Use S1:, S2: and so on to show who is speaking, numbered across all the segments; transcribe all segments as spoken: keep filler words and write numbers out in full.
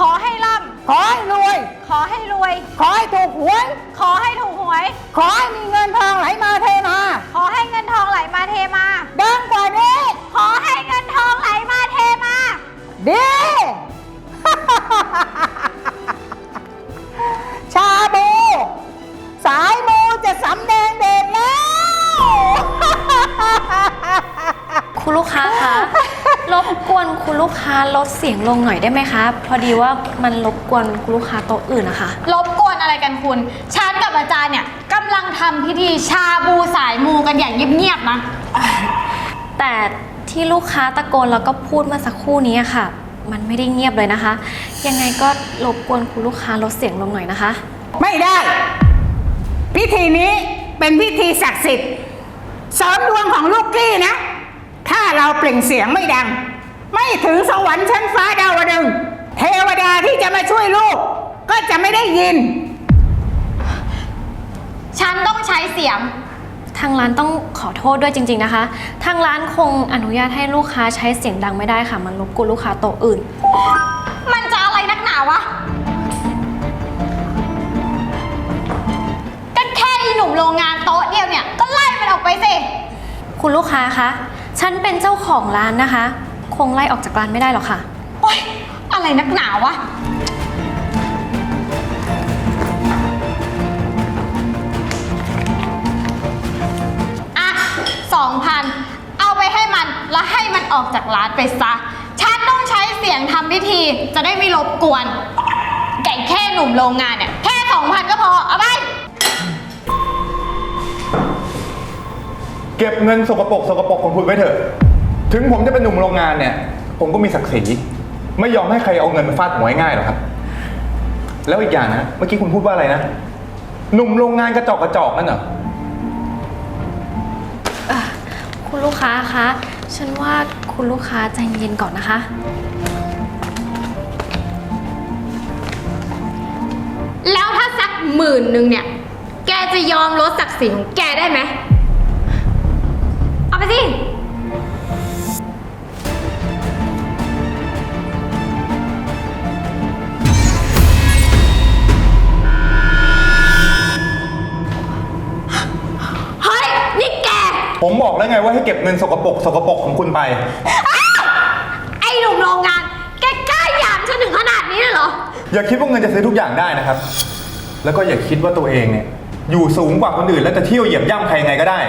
S1: อให้ร่ำ
S2: ขอให้รวย
S1: ขอให้รวย
S2: ขอให้ถูกหวย
S1: ขอให้ถูกหวย
S2: ขอให้มีเงินทองไหลมาเทมา
S1: ขอให้เงินทองไหลมาเทมา
S2: ดังกว่านี้
S1: ขอให้เงินทองไหลมาเทมา
S2: ดี ชาบู สายมูจะสำแดงเด่นแล้ว
S3: คุณลูกค้าคะ รบกวนคุณลูกค้าลดเสียงลงหน่อยได้ไหมคะ พอดีว่ามันรบกวนคุณลูกค้าโต๊ะอื่นนะคะ
S1: รบกวนอะไรกันคุณฉันกับอาจารย์เนี่ยกำลังทำพิธีชาบูสายมูกันอย่างเงียบๆนะ
S3: แต่ที่ลูกค้าตะโกนแล้วก็พูดเมื่อสักครู่นี้ค่ะ มันไม่ได้เงียบเลยนะคะ ยังไงก็รบกวนคุณลูกค้าลดเสียงลงหน่อยนะคะ
S2: ไม่ได้ พิธีนี้เป็นพิธีศักดิ์สิทธิ์เสริมดวงของลูกกี้นะ ถ้าเราเปล่งเสียงไม่ดัง ไม่ถึงสวรรค์ชั้นฟ้าดาวดึงส์เทวดาที่จะมาช่วยลูก ก็จะไม่ได้ยิน
S1: ฉันต้องใช้เสียง
S3: ทางร้านต้องขอโทษด้วยจริงๆนะคะ ทางร้านคงอนุญาตให้ลูกค้าใช้เสียงดังไม่ได้ค่ะ มันรบกวนลูกค้าโต๊ะอื่น
S1: มันจะอะไรนักหนาวะก็แค่อีหนุ่มโรงงานโต๊ะเดียวเนี่ยก็ไล่มันออกไปสิ
S3: คุณลูกค้าคะ ฉันเป็นเจ้าของร้านนะคะ คงไล่ออกจากร้านไม่ได้หรอกค่ะ
S1: โอ๊ยอะไรนักหนาวะอ่ะสองพันเอาไปให้มันแล้วให้มันออกจากร้านไปซะ ฉันต้องใช้เสียงทำพิธีจะได้ไม่รบกวนแก่แค่หนุ่มโรงงานเนี่ยแค่สองพันก็พอเอาไป
S4: เก็บเงินสกปรกสกปรกของคุณไว้เถอะ ถึงผมจะเป็นหนุ่มโรงงานเนี่ย ผมก็มีศักดิ์ศรีไม่ยอมให้ใครเอาเงินมาฟาดหัวง่ายๆหรอกครับ แล้วอีกอย่างนะ เมื่อกี้คุณพูดว่าอะไรนะ หนุ่มโรงงานกระจอกกระจอกนั่นเหรอ
S3: คุณลูกค้าคะ ฉันว่าคุณลูกค้าใจเย็นก่อนนะคะ
S1: แล้วถ้าสักหมื่นหนึ่งเนี่ย แกจะยอมลดศักดิ์ศรีของแกได้ไหม เอาไปสิ เฮ้ย นี่แก
S4: ผมบอกแล้วไงว่าให้เก็บเงินสกปรกสกปรกของคุณไป
S1: ไอ้หนุ่มโรงงาน แกกล้าหยามฉันถึงขนาดนี้เลยเหรอ
S4: อย่าคิดว่าเงินจะซื้อทุกอย่างได้นะครับ แล้วก็อย่าคิดว่าตัวเองเนี่ยอยู่สูงกว่าคนอื่นแล้วจะเที่ยวเหยียบย่ำใครยังไงก็ได้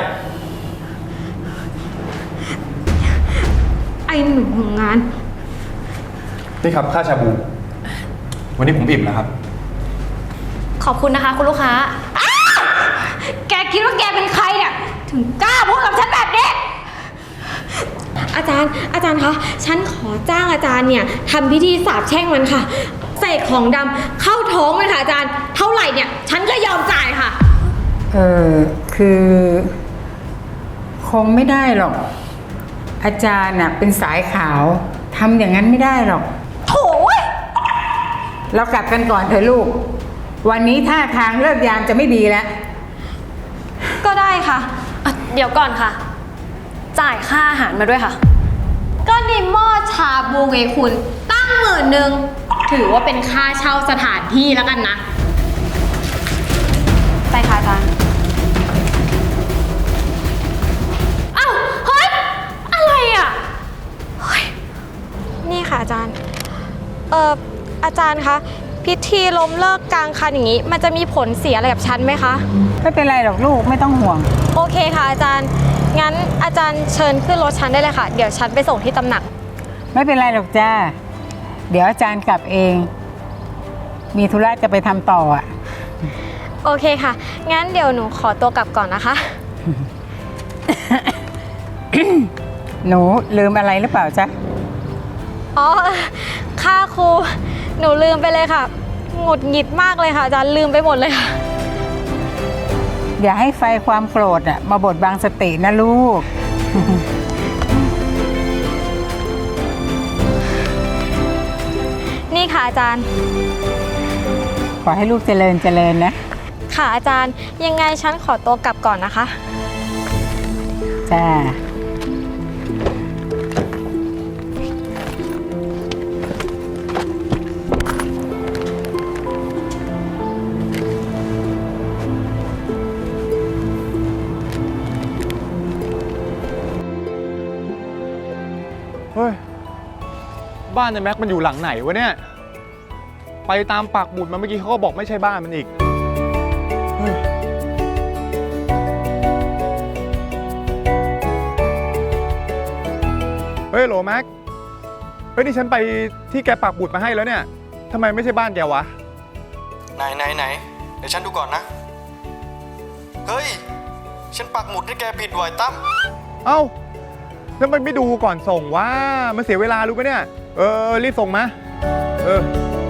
S1: ไอ้หนุ่มโรงงาน
S4: นี่ครับค่าชาบู วันนี้ผมอิ่มแล้วครับ
S3: ขอบคุณนะคะ คุณลูกค้า
S1: แกคิดว่าแกเป็นใครเนี่ย ถึงกล้าพูดกับฉันแบบนี้ อาจารย์ อาจารย์คะ ฉันขอจ้างอาจารย์เนี่ยทำพิธีสาปแช่งมันค่ะเสกของดำเข้าท้องมันค่ะอาจารย์ เท่าไหร่เนี่ย ฉันก็ยอมจ่ายค่ะ
S2: เออคือคงไม่ได้หรอก อาจารย์น่ะเป็นสายขาวทำอย่างนั้นไม่ได้หรอก
S1: โถ่
S2: เรากลับกันก่อนเถอะลูก วันนี้ท่าทางเลิกยามจะไม่ดีแล้ว
S1: ก็ได้ค่ะ
S3: อ่ะ เดี๋ยวก่อนค่ะ จ่ายค่าอาหารมาด้วยค่ะ
S1: ก็ในหม้อชาบูไงคุณ ตั้งหมื่นหนึ่งถือว่าเป็นค่าเช่าสถานที่แล้วกันนะ ไปค่ะอาจารย์
S3: อ้าว เฮ้ย อะไรอ่ะ
S5: นี่ค่ะอาจารย์ เอ่อ อาจารย์คะ พิธีล้มเลิกกลางคันอย่างนี้ มันจะมีผลเสียอะไรกับฉันไหมคะ
S2: ไม่เป็นไรหรอกลูกไม่ต้องห่วง
S5: โอเคค่ะอาจารย์ งั้นอาจารย์เชิญขึ้นรถฉันได้เลยค่ะ เดี๋ยวฉันไปส่งที่ตำหนัก
S2: ไม่เป็นไรหรอกจ้า เดี๋ยวอาจารย์กลับเอง มีธุระจะไปทำต่ออ่ะ
S5: โอเคค่ะ งั้นเดี๋ยวหนูขอตัวกลับก่อนนะคะ
S2: หนูลืมอะไรหรือเปล่าจ๊ะ
S5: อ๋อ ค่าครู หนูลืมไปเลยค่ะ หงุดหงิดมากเลยค่ะอาจารย์ลืมไปหมดเลยค่ะ
S2: อย่าให้ไฟความโกรธอ่ะมาบดบังสตินะลูก
S5: นี่ค่ะอาจารย์
S2: ขอให้ลูกเจริญเจริญนะ
S5: ค่ะอาจารย์ ยังไงฉันขอตัวกลับก่อนนะคะ
S2: จ้า
S4: บ้านในแม็กมันอยู่หลังไหนวะเนี่ยไปตามปักหมุดมาเมื่อกี้เขาก็บอกไม่ใช่บ้านมันอีกเฮ้ยเฮ้ยโหลแม็กเฮ้ยนี่ฉันไปที่แกปักหมุดมาให้แล้วเนี่ยทำไมไม่ใช่บ้านแกวะ
S6: ไหนไหนไหนเดี๋ยวฉันดูก่อนนะ เฮ้ย ฉันปักหมุดให้แกผิดไว้ตั้ม
S4: เอ้าแล้วมันไม่ดูก่อนส่งวะมันเสียเวลารู้ปะเนี่ยเออรีบส่งมาเออ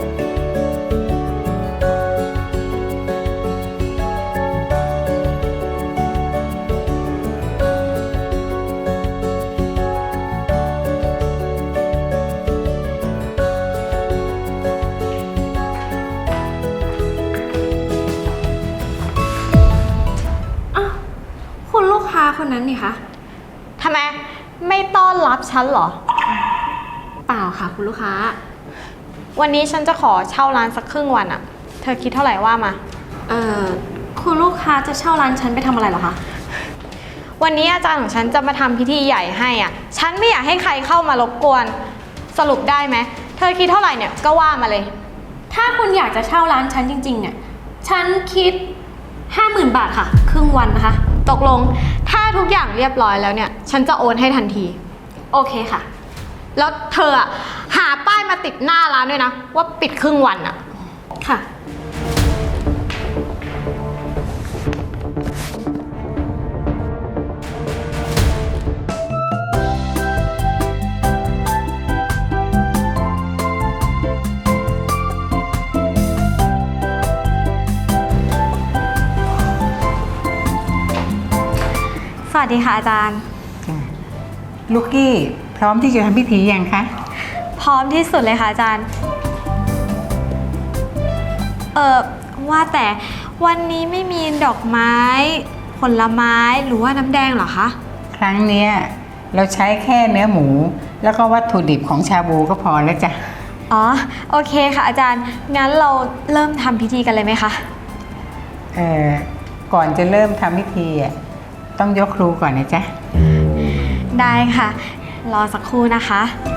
S3: คุณลูกค้าคนนั้นนี่คะ
S1: ทำไมไม่ต้อนรับฉันเหรอ
S3: เปล่าค่ะคุณลูกค้า
S1: วันนี้ฉันจะขอเช่าร้านสักครึ่งวันอะเธอคิดเท่าไหร่ว่ามา
S3: เอ่อ คุณลูกค้าจะเช่าร้านฉันไปทำอะไรเหรอคะ
S1: วันนี้อาจารย์ของฉันจะมาทำพิธีใหญ่ให้อ่ะ ฉันไม่อยากให้ใครเข้ามารบกวน สรุปได้ไหม เธอคิดเท่าไหร่เนี่ยก็ว่ามาเลย
S3: ถ้าคุณอยากจะเช่าร้านฉันจริงๆเนี่ย ฉันคิด ห้าหมื่น บาทค่ะ ครึ่งวันนะคะ
S1: ตกลง ถ้าทุกอย่างเรียบร้อยแล้วเนี่ย ฉันจะโอนให้ทันที
S3: โอเคค่ะ
S1: แล้วเธออะหาป้ายมาติดหน้าร้านด้วยนะ ว่าปิดครึ่งวันอะ
S3: ค่ะ
S1: สวัสดีค่ะอาจารย์
S2: ลูกกี้พร้อมที่จะทำพิธียังคะ
S1: พร้อมที่สุดเลยค่ะอาจารย์ เออว่าแต่วันนี้ไม่มีดอกไม้ ผลไม้หรือว่าน้ำแดงเหรอคะ
S2: ครั้งเนี้ยเราใช้แค่เนื้อหมู แล้วก็วัตถุดิบของชาบูก็พอแล้วจ้ะ
S1: อ๋อโอเคค่ะอาจารย์ งั้นเราเริ่มทำพิธีกันเลยไหมคะ
S2: เอ่อก่อนจะเริ่มทำพิธีอ่ะต้องยกครูก่อนนะจ๊ะ
S1: ได้ค่ะ รอสักครู่นะคะ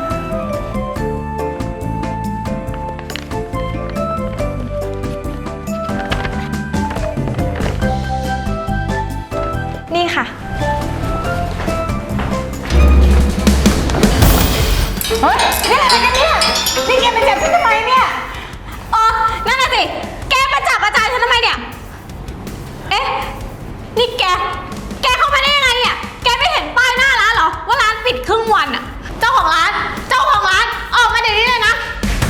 S1: นี่ค่ะ
S2: เฮ้ยนี่อะไรกันเนี่ย นี่แกมาจับฉันทำไมเนี่ย
S1: อ๋อ นั่นน่ะสิ แกมาจับอาจารย์ฉันทำไมเนี่ย เอ๊ะ นี่แก แกเข้ามาได้ยังไงเนี่ย แกไม่เห็นป้ายหน้าร้านเหรอ ว่าร้านปิดครึ่งวันอะเจ้าของร้าน เจ้าของร้าน ออกมาเดี๋ยวนี้เลยนะ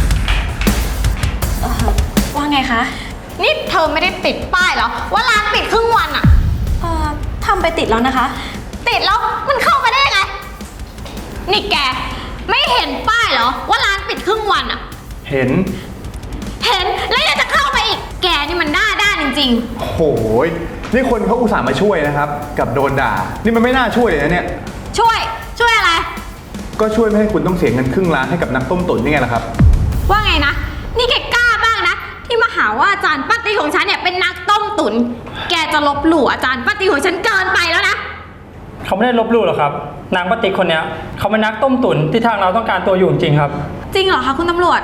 S3: เอ่อ ว่าไงคะ
S1: นี่เธอไม่ได้ติดป้ายเหรอ ว่าร้านปิดครึ่งวันอะ
S3: เอ่อทำไปติดแล้วนะคะ
S1: ติดแล้วมันเข้ามาได้ยังไง นี่แก ไม่เห็นป้ายเหรอ ว่าร้านปิดครึ่งวันอะ
S4: เห็น
S1: เห็นแล้วยังจะเข้าไปอีก แกนี่มันหน้าด้านจริง
S4: โอ้ยนี่คนเขาอุตส่าห์มาช่วยนะครับกับโดนด่านี่มันไม่น่าช่วยเลยนะเนี่ย
S1: ๆ ช่วย ช่วยอะไร
S4: ก็ช่วยไม่ให้คุณต้องเสียเงินครึ่งล้านให้กับนักต้มตุ๋นนี่ไงล่ะครับ
S1: ว่าไงนะ นี่แกกล้ามากนะ ที่มาหาว่าอาจารย์ป้าตีของฉันเนี่ยเป็นนักต้มตุ๋น แกจะลบหลู่อาจารย์ป้าตีของฉันเกินไปแล้วนะ
S7: เขาไม่ได้ลบหลู่หรอกครับ นางปฏิกคนเนี้ยเขาเป็นนักต้มตุ๋นที่ทางเราต้องการตัวอยู่จริงๆครับ
S1: จริงเหรอคะคุณตำรวจ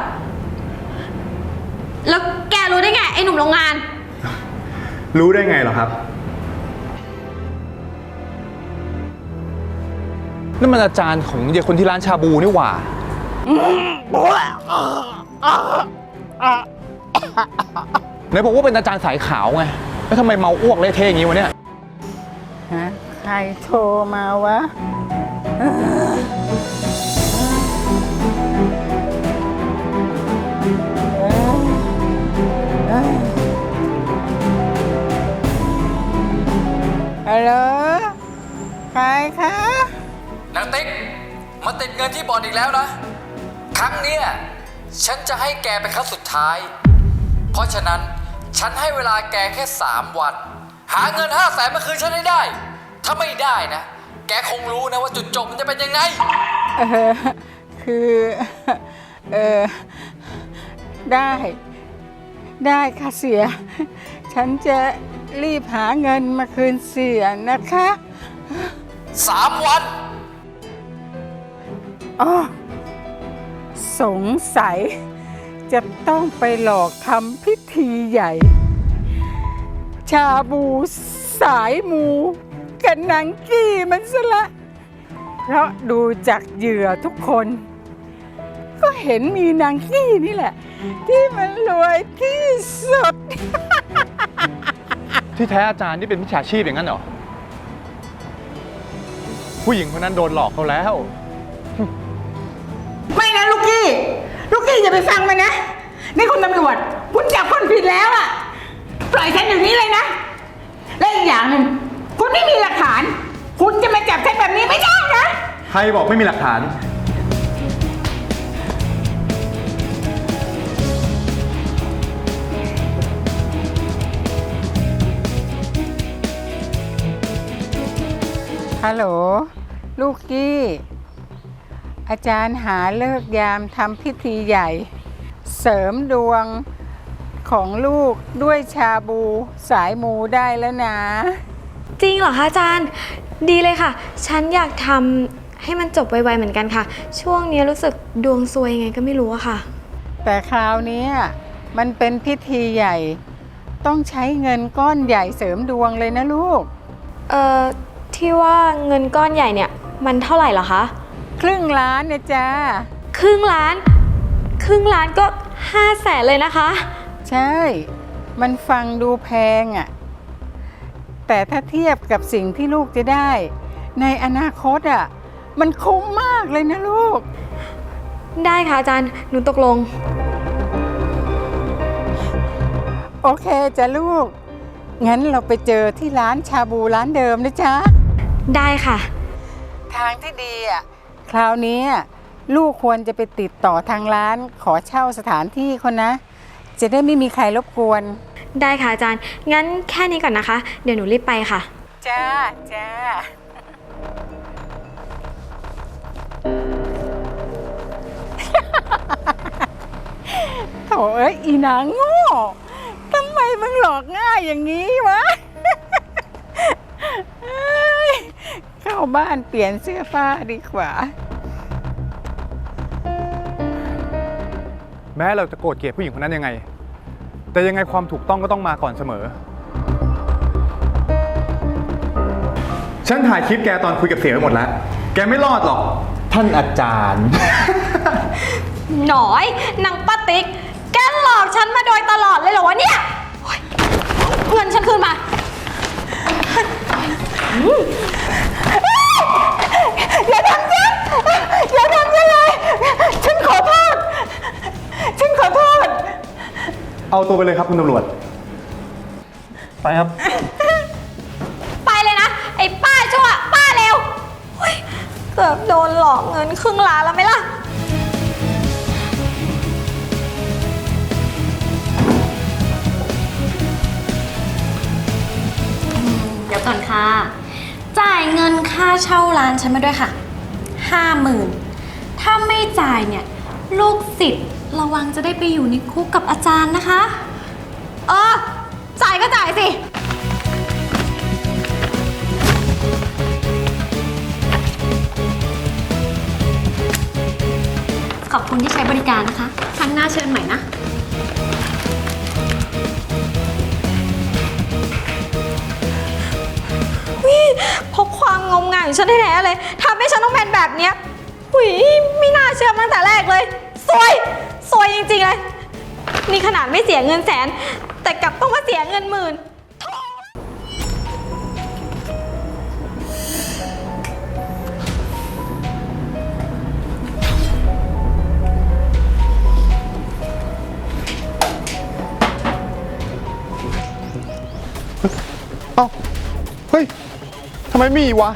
S1: แล้วแกรู้ได้ไงไอ้หนุ่มโรงงาน
S4: รู้ได้ไงเหรอครับนั่นมันอาจารย์ของเด็กคนที่ร้านชาบูนี่หว่าไหนบอกว่าเป็นอาจารย์สายขาวไงแล้วทำไมเมาอ้วกเละเทะอย่างนี้วะเนี่ย
S2: ฮะ ใครโทรมาวะ ฮัลโหล ใครคะ
S8: นางติ๊กมาติดเงินที่บ่อนอีกแล้วนะ ครั้งเนี้ยฉันจะให้แกเป็นครั้งสุดท้าย เพราะฉะนั้นฉันให้เวลาแกแค่สามวัน หาเงินห้าแสนมาคืนฉันให้ได้ ถ้าไม่ได้นะ แกคงรู้นะว่าจุดจบมันจะเป็นยังไง
S2: เออ คือ เออ ได้ ได้ค่ะเสีย ฉันจะรีบหาเงินมาคืนเสียนะคะ
S8: สามวัน
S2: อ๋อสงสัยจะต้องไปหลอกทำพิธีใหญ่ ชาบูสายมูกับนางกี้มันซะละ เพราะดูจากเหยื่อทุกคน ก็เห็นมีนางกี้นี่แหละ ที่มันรวยที่สุด
S4: ที่แท้อาจารย์นี่เป็นมิจฉาชีพอย่างนั้นเหรอ ผู้หญิงคนนั้นโดนหลอกเขาแล้ว
S2: ไม่นะลูกกี้ ลูกกี้อย่าไปฟังมันนะ นี่คุณตำรวจ คุณจับคนผิดแล้วอะปล่อยฉันอย่างนี้เลยนะ และอีกอย่างหนึ่งคุณไม่มีหลักฐาน คุณจะมาจับฉันแบบนี้ไม่ได้นะ
S4: ใครบอกไม่มีหลักฐาน
S2: ฮัลโหล ลูกกี้ อาจารย์หาเลิกยามทำพิธีใหญ่ เสริมดวงของลูกด้วยชาบูสายมูได้แล้วนะ
S5: จริงเหรอคะอาจารย์ ดีเลยค่ะ ฉันอยากทำให้มันจบไวๆเหมือนกันค่ะ ช่วงนี้รู้สึกดวงซวยยังไงก็ไม่รู้อะค่ะ
S2: แต่คราวนี้มันเป็นพิธีใหญ่ ต้องใช้เงินก้อนใหญ่เสริมดวงเลยนะลูก
S5: เอ่อ ที่ว่าเงินก้อนใหญ่เนี่ย มันเท่าไหร่เหรอคะ
S2: ครึ่งล้านนะจ๊ะ
S5: ครึ่งล้าน ครึ่งล้านก็ห้าแสนเลยนะคะ
S2: ใช่ มันฟังดูแพงอะ่ะ แต่ถ้าเทียบกับสิ่งที่ลูกจะได้ ในอนาคตอะ่ะ มันคุ้มมากเลยนะลูก
S5: ได้ค่ะอาจารย์ หนูตกลง
S2: โอเคจ้ะลูก งั้นเราไปเจอที่ร้านชาบูร้านเดิมนะจ๊ะ
S5: ได้ค่ะ
S2: ทางที่ดีอ่ะ คราวนี้ลูกควรจะไปติดต่อทางร้านขอเช่าสถานที่คนนะ จะได้ไม่มีใครรบกวน
S5: ได้ค่ะอาจารย์ งั้นแค่นี้ก่อนนะคะ เดี๋ยวหนูรีบไปค่ะ
S2: จ้า จ้า โถเอ้ยอีนางโง่ทำไมมึงหลอกง่ายอย่างนี้วะ เอ้ยเข้าบ้านเปลี่ยนเสื้อผ้าดีกว่า
S4: แม้เราจะโกรธเกลียดผู้หญิงคนนั้นยังไง แต่ยังไงความถูกต้องก็ต้องมาก่อนเสมอ ฉันถ่ายคลิปแกตอนคุยกับเสียไปหมดแล้ว แกไม่รอดหรอก ท่านอาจารย์
S1: หน่อยนางป้าติ๊ก แกหลอกฉันมาโดยตลอดเลยเหรอวะเนี่ยโอ๊ยเงินฉันคืนมา
S2: อย่าทำฉันอย่าทำฉันเลย ฉันขอโทษ ฉันขอโทษ
S4: เอาตัวไปเลยครับคุณตำรวจ
S7: ไปครับ
S1: ไปเลยนะ ไอ้ป้าชั่ว ป้าเร็วโอ๊ยเกือบโดนหลอกเงินครึ่งล้านแล้วไหมล่ะ
S3: เดี๋ยวก่อนค่ะ จ่ายเงินค่าเช่าร้านฉันมาด้วยค่ะ ห้าหมื่น ถ้าไม่จ่ายเนี่ย ลูกศิษย์ระวังจะได้ไปอยู่ในคุกกับอาจารย์นะคะ
S1: เออ จ่ายก็จ่ายสิ
S3: ขอบคุณที่ใช้บริการนะคะ ครั้งหน้าเชิญใหม่นะ
S1: เพราะความงมงายของฉันแท้ๆเลยทำให้ฉันต้องเป็นแบบเนี้ยหุยไม่น่าเชื่อมาตั้งแต่แรกเลยซวยซวยจริงๆเลย นี่ขนาดไม่เสียเงินแสน แต่กลับต้องมาเสียเงินหมื่น
S4: เอ้า เฮ้ย ทำไมมีวะ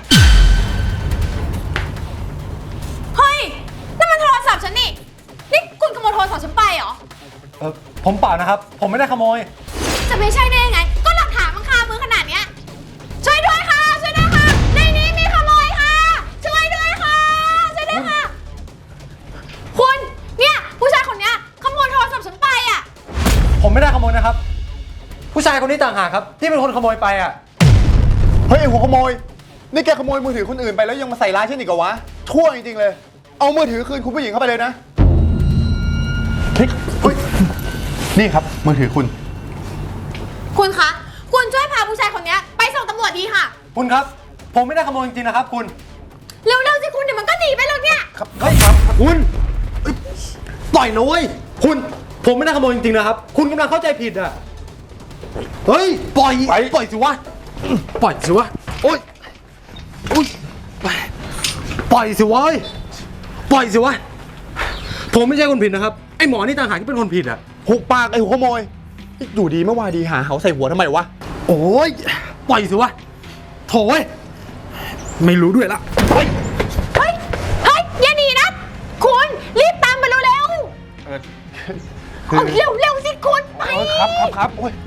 S1: เฮ้ยนั่นมันโทรศัพท์ฉันนี่ นี่คุณขโมยโทรศัพท์ฉันไปเหรอ
S9: เออผมเปล่านะครับ ผมไม่ได้ขโมย
S1: จะไม่ใช่ได้ยังไง ก็หลักฐานมันคามือขนาดเนี้ย ช่วยด้วยค่ะ ช่วยด้วยค่ะ ในนี้มีขโมยค่ะ ช่วยด้วยค่ะ ช่วยด้วยค่ะ คุณ เนี่ย ผู้ชายคนเนี้ยขโมยโทรศัพท์ฉันไปอ่ะ
S9: ผมไม่ได้ขโมยนะครับ ผู้ชายคนนี้ต่างหากครับ ที่เป็นคนขโมยไปอ่ะ
S4: เฮ้ยไอ้หัวขโมย นี่แกขโมยมือถือคนอื่นไปแล้วยังมาใส่ร้ายฉันอีกเหรอวะ ชั่วจริงๆเลย เอามือถือคืนคุณผู้หญิงเข้าไปเลยนะเฮ้ยเฮ้ยนี่ครับมือถือคุณ
S1: คุณคะ คุณช่วยพาผู้ชายคนนี้ไปส่งตำรวจดีค่ะ
S9: คุณครับ ผมไม่ได้ขโมยจริงๆนะครับ คุณ
S1: เร็วๆสิคุณเดี๋ยวมันก็หนีไปแล้วเนี่ย
S9: ครับเฮ้ยครับคุณเอ้ยปล่อยนะเว้ยคุณ ผมไม่ได้ขโมยจริงๆนะครับ คุณกำลังเข้าใจผิดอ่ะ เฮ้ย ปล่อย
S4: ไป
S9: ปล่อยสิวะ ปล่อยสิวะ โอ๊ยโอ๊ยปล่อยสิวะเฮ้ยปล่อยสิวะ ผมไม่ใช่คนผิดนะครับ ไอ้หมอนี่ต่างหากที่เป็นคนผิดอ่ะ
S10: หุบปากไอ้หัวขโมยอยู่ดีเมื่อวานดีหาเหาใส่หัวทำไมวะ
S9: โอ้ย ปล่อยสิวะ โถ่เว้ย ไม่รู้ด้วยละ
S1: เฮ้ย เฮ้ย อย่าหนีนะ คุณ รีบตามไปเร็ว
S4: เออ
S1: ๆเอาเร็วเร็วๆสิคุณไป
S4: เออครับครับครับโอ้ย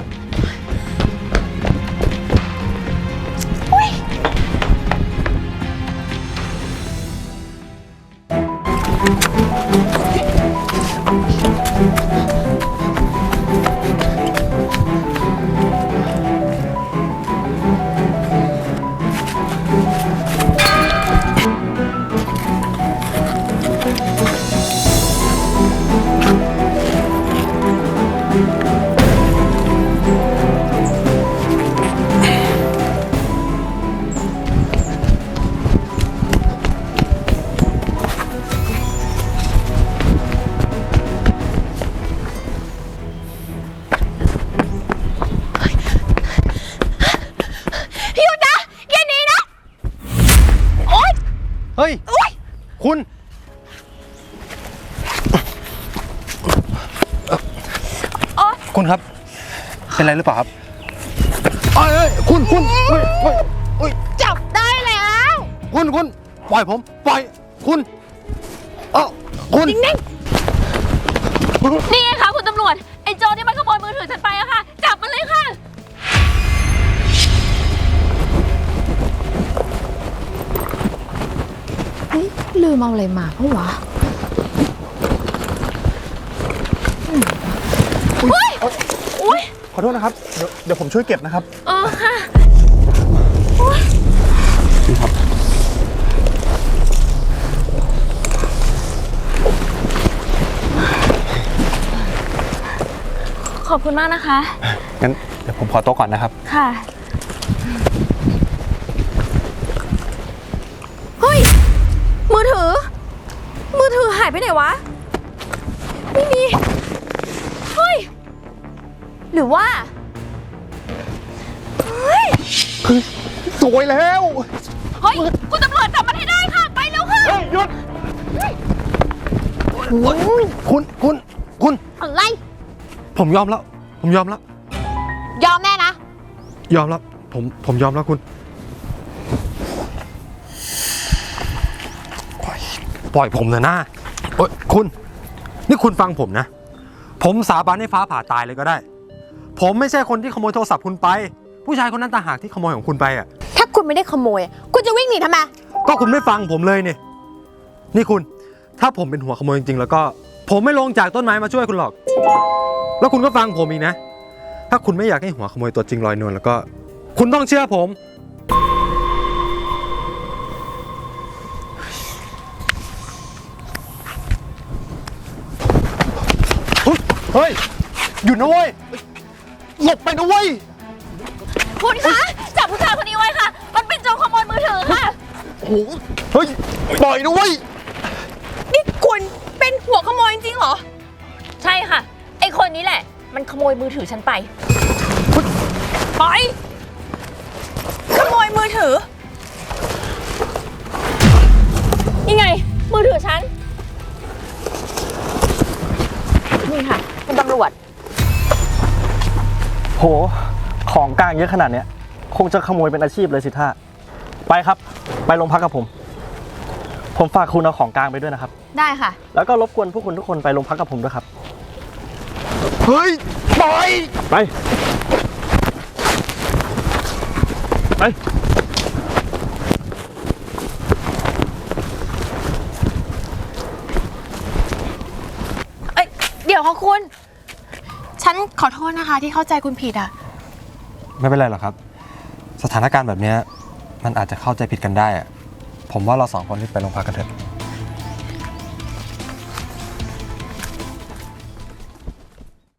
S1: หยุดนะ อย่าหนีนะ โอ๊ย
S9: เฮ้ย
S1: โอ๊ย
S9: คุณ คุณครับ เป็นไรหรือเปล่าครับเอ้ยเอ้ยคุณคุณเฮ้ยเฮ้ยเฮ้ย
S1: จับได้แล้ว
S9: คุณคุณปล่อยผม ปล่อย คุณ เอ้าคุณ
S1: นิ่ง
S3: นี่ไงคะคุณตำรวจ ไอ้โจรที่มันขโมยมือถือฉันไปอะค่ะ จับมันเลยค่ะ
S11: ลืมเอาอะไรมาเพราะวะ
S3: อุ้ย
S10: ขอโทษนะครับ เดี๋ยวเดี๋ยวผมช่วยเก็บนะครับ
S3: เออค่ะ ขอบคุณมากนะคะ
S10: งั้นเดี๋ยวผมขอโต๊ะก่อนนะครับ
S3: ค่ะ
S1: เฮ้ย มือถือ มือถือหายไปไหนวะ ไม่มี เฮ้ย หรือว่า เฮ้ย
S10: สวยแล้ว
S3: เฮ้ย คุณตำรวจจับมันให้ได้ค่ะ ไปเร็วค่ะ
S10: เฮ้ยหยุด
S9: คุณ คุณ คุณ
S1: อะไร
S9: ผมยอมแล้ว ผมยอมแล้ว
S1: ยอมแน่นะ
S9: ยอมแล้ว ผม ผมยอมแล้วคุณ ปล่อยผมเถอะนะโอ๊ยคุณ นี่คุณฟังผมนะ ผมสาบานให้ฟ้าผ่าตายเลยก็ได้ ผมไม่ใช่คนที่ขโมยโทรศัพท์คุณไป ผู้ชายคนนั้นต่างหากที่ขโมยของคุณไปอ่ะ
S1: ถ้าคุณไม่ได้ขโมย คุณจะวิ่งหนีทำไม
S9: ก็คุณไม่ฟังผมเลยนี่ นี่คุณ ถ้าผมเป็นหัวขโมยจริงๆแล้วก็ ผมไม่ลงจากต้นไม้มาช่วยคุณหรอก แล้วคุณก็ฟังผมอีกนะ ถ้าคุณไม่อยากให้หัวขโมยตัวจริงลอยนวลแล้วก็ คุณต้องเชื่อผม
S10: เฮ้ย หยุดนะเว้ย หลบไปนะเว้ย
S3: คุณคะ จับผู้ชายคนนี้ไว้ค่ะ มันเป็นโจรขโมยมือถือค่ะ
S10: โอ้โห เฮ้ย ปล่อยนะเว้ย
S1: นี่คุณเป็นหัวขโมยจริงเหรอ
S3: ใช่ค่ะ ไอ้คนนี้แหละ มันขโมยมือถือฉันไปไป
S1: ขโมยมือถือ
S3: นี่ไง มือถือฉัน นี่ค่ะ คุณตำรวจ
S6: โห ของกลางเยอะขนาดเนี้ย คงจะขโมยเป็นอาชีพเลยสิท่า ไปครับ ไปโรงพักกับผม ผมฝากคุณเอาของกลางไปด้วยนะครับ
S1: ได้ค่ะ
S6: แล้วก็รบกวนพวกคุณทุกคนไปโรงพักกับผมด้วยครับ
S10: เฮ้ย ปล่อย
S6: ไป ไป
S1: เอ้ย เดี๋ยวค่ะคุณ ฉันขอโทษนะคะที่เข้าใจคุณผิดอ่ะ
S9: ไม่เป็นไรหรอกครับ สถานการณ์แบบเนี้ยมันอาจจะเข้าใจผิดกันได้อะผมว่าเราสองคนรีบไปโรงพักกันเถอะ